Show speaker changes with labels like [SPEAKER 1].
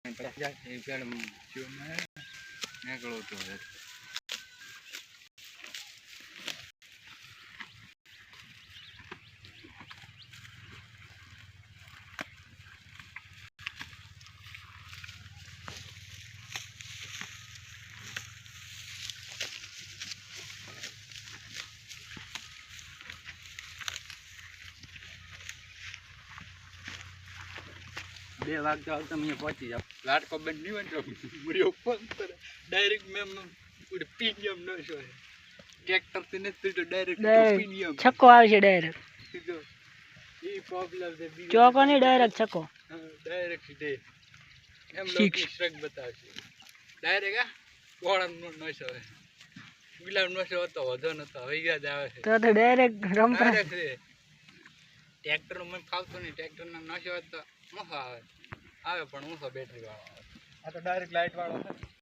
[SPEAKER 1] બે વાગતા વાગતા મને પહોંચી જાવ લાટકો બંધ નહીં હોય તો મુરીઓ પંપ ડાયરેક્ટ મેમ પીડીએમ ન છો ટ્રેક્ટર થી નથી તો ડાયરેક્ટ પીડીએમ
[SPEAKER 2] છક્કો આવશે ડાયરેક્ટ
[SPEAKER 1] સીધો ઈ પ્રોબ્લેમ છે
[SPEAKER 2] ચોકો નહીં ડાયરેક્ટ છક્કો
[SPEAKER 1] ડાયરેક્ટ સીધે એમ લોકો સ્ટ્રક બતાવશે ડાયરેક્ટ આ ગોળા નો છો ગુલાબ નો છો તો વધો નતો હવે યાદ આવે છે
[SPEAKER 2] તો ડાયરેક્ટ રમતા
[SPEAKER 1] ટ્રેક્ટર મને ફાવતો નહીં ટ્રેક્ટર ના નશો તો મસો આવે પણ ઊંચો બેટરી વાળો આવે આ તો ડાયરેક્ટ લાઇટ વાળો છે